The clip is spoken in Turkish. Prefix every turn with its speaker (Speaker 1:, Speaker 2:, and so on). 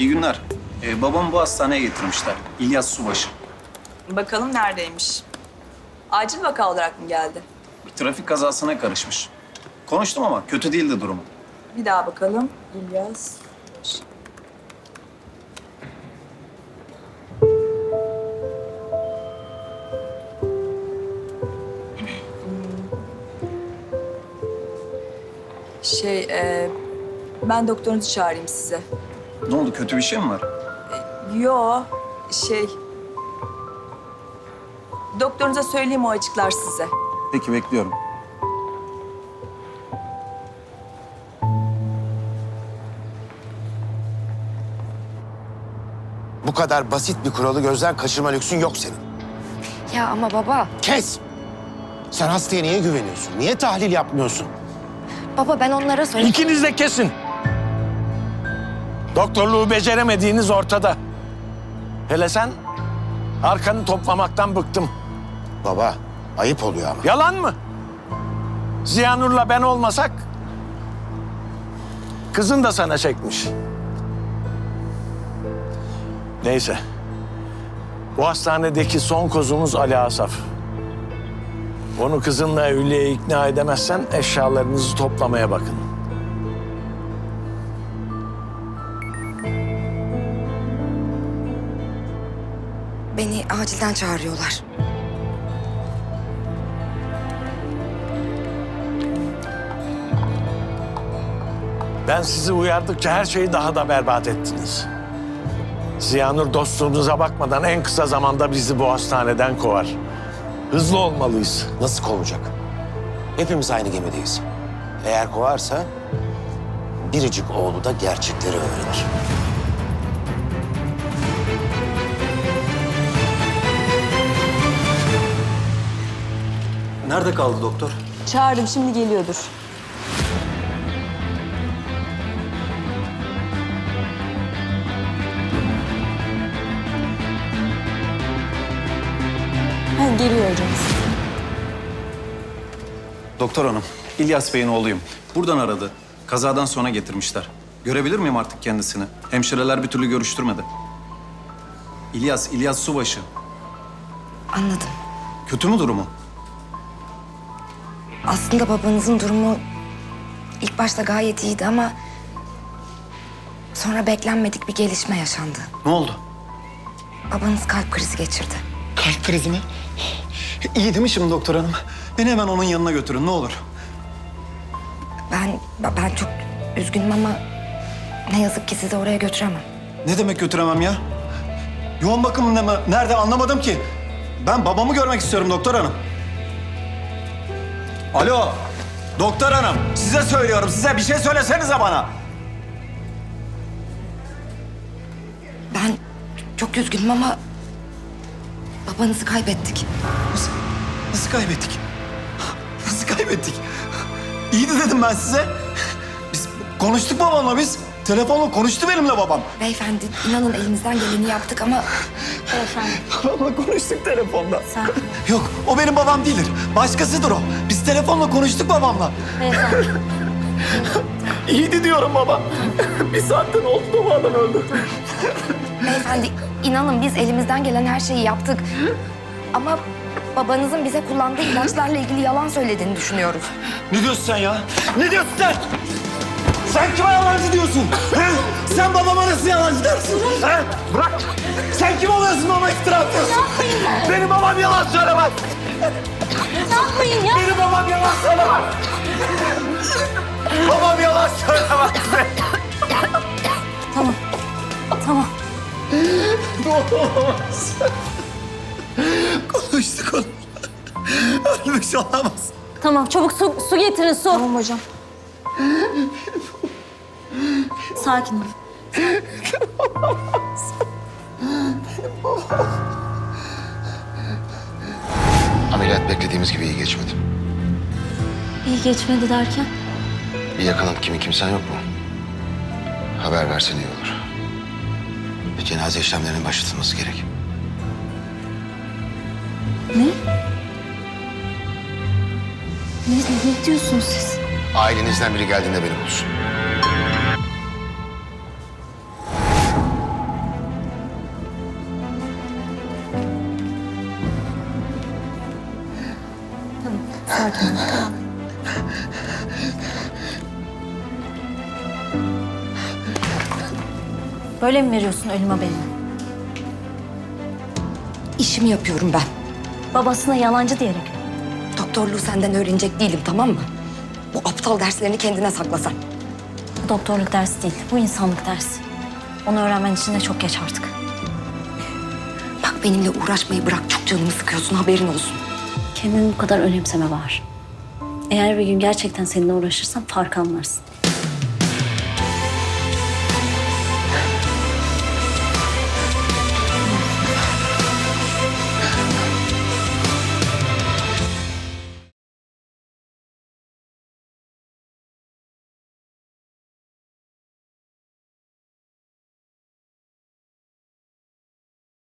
Speaker 1: İyi günler. Babamı bu hastaneye getirmişler. İlyas Subaşı.
Speaker 2: Bakalım neredeymiş? Acil vaka olarak mı geldi?
Speaker 1: Bir trafik kazasına karışmış. Konuştum ama kötü değildi durumu.
Speaker 2: Bir daha bakalım. İlyas. Ben doktorunuzu çağırayım size.
Speaker 1: Ne oldu, kötü bir şey mi var?
Speaker 2: Yo, doktorunuza söyleyeyim, o açıklar size.
Speaker 1: Peki, bekliyorum.
Speaker 3: Bu kadar basit bir kuralı gözden kaçırma lüksün yok senin.
Speaker 4: Ya ama baba.
Speaker 3: Kes! Sen hastaya niye güveniyorsun? Niye tahlil yapmıyorsun?
Speaker 4: Baba ben onlara söyledim.
Speaker 5: İkiniz de kesin. Doktorluğu beceremediğiniz ortada. Hele sen arkanı toplamaktan bıktım.
Speaker 3: Baba, ayıp oluyor ama.
Speaker 5: Yalan mı? Ziyanur'la ben olmasak kızın da sana çekmiş. Neyse. Bu hastanedeki son kozumuz Ali Asaf. Onu kızınla evliliğe ikna edemezsen eşyalarınızı toplamaya bakın.
Speaker 4: Beni acilden çağırıyorlar.
Speaker 5: Ben sizi uyardıkça her şeyi daha da berbat ettiniz. Ziyanur dostluğunuza bakmadan en kısa zamanda bizi bu hastaneden kovar. Hızlı olmalıyız.
Speaker 3: Nasıl kovacak? Hepimiz aynı gemideyiz. Eğer kovarsa biricik oğlu da gerçekleri öğrenir.
Speaker 1: Nerede kaldı doktor?
Speaker 2: Çağırdım, şimdi geliyordur. Geliyor hocam.
Speaker 1: Doktor hanım, İlyas Bey'in oğluyum. Buradan aradı. Kazadan sonra getirmişler. Görebilir miyim artık kendisini? Hemşireler bir türlü görüştürmedi. İlyas Subaşı.
Speaker 4: Anladım.
Speaker 1: Kötü mü durumu?
Speaker 4: Aslında babanızın durumu ilk başta gayet iyiydi ama sonra beklenmedik bir gelişme yaşandı.
Speaker 1: Ne oldu?
Speaker 4: Babanız kalp krizi geçirdi.
Speaker 1: Kalp krizi mi? İyi değil mi şimdi doktor hanım? Beni hemen onun yanına götürün, ne olur.
Speaker 4: Ben çok üzgünüm ama ne yazık ki sizi oraya götüremem.
Speaker 1: Ne demek götüremem ya? Yoğun bakımında mı? Nerede anlamadım ki. Ben babamı görmek istiyorum doktor hanım. Alo, doktor hanım. Size söylüyorum, size bir şey söylesenize bana.
Speaker 4: Ben çok üzgünüm ama babanızı kaybettik.
Speaker 1: Nasıl kaybettik? Nasıl kaybettik? İyiydi dedim ben size. Biz konuştuk babamla biz. Telefonla konuştu benimle babam.
Speaker 4: Beyefendi inanın elimizden geleni yaptık ama... Beyefendi.
Speaker 1: Babamla konuştuk telefonda. Yok, o benim babam değildir. Başkasıdır o. Biz telefonla konuştuk babamla.
Speaker 4: Beyefendi.
Speaker 1: İyiydi diyorum baba. Bir saatten oldu da bu adam öldü.
Speaker 4: Beyefendi inanın biz elimizden gelen her şeyi yaptık. Ama babanızın bize kullandığı ilaçlarla ilgili yalan söylediğini düşünüyoruz.
Speaker 1: Ne diyorsun sen ya? Ne diyorsun sen? Sen kime yalancı diyorsun? He? Sen babama nasıl yalancı dersin? He? Bırak! Sen kim oluyorsun baba iftira atıyorsun? Benim babam yalan söylemez.
Speaker 4: Ne yapmayın ya?
Speaker 1: Benim babam yalan söylemez. Babam yalan söylemez.
Speaker 4: Tamam. Tamam.
Speaker 1: Olamaz. Konuştuk onu. Ölmüş olamaz.
Speaker 6: Tamam, çabuk su getirin, su.
Speaker 2: Tamam hocam.
Speaker 6: Sakin ol.
Speaker 7: Ameliyat beklediğimiz gibi iyi geçmedi.
Speaker 6: İyi geçmedi derken?
Speaker 7: Bir yakının kimin kimsen yok mu? Haber versen iyi olur. Bir cenaze işlemlerinin başlatılması gerek.
Speaker 6: Ne diyorsunuz siz?
Speaker 7: Ailenizden biri geldiğinde beni bulsun.
Speaker 6: sakin ol. Tamam. Böyle mi veriyorsun ölüm haberini?
Speaker 4: İşimi yapıyorum ben.
Speaker 6: Babasına yalancı diyerek.
Speaker 4: Doktorluğu senden öğrenecek değilim, tamam mı? Bu aptal derslerini kendine sakla sen.
Speaker 6: Bu doktorluk dersi değil, bu insanlık dersi. Onu öğrenmen için de çok geç artık.
Speaker 4: Bak benimle uğraşmayı bırak, çok canımı sıkıyorsun, haberin olsun.
Speaker 6: Kendini bu kadar önemseme var. Eğer bir gün gerçekten seninle uğraşırsam fark anlarsın.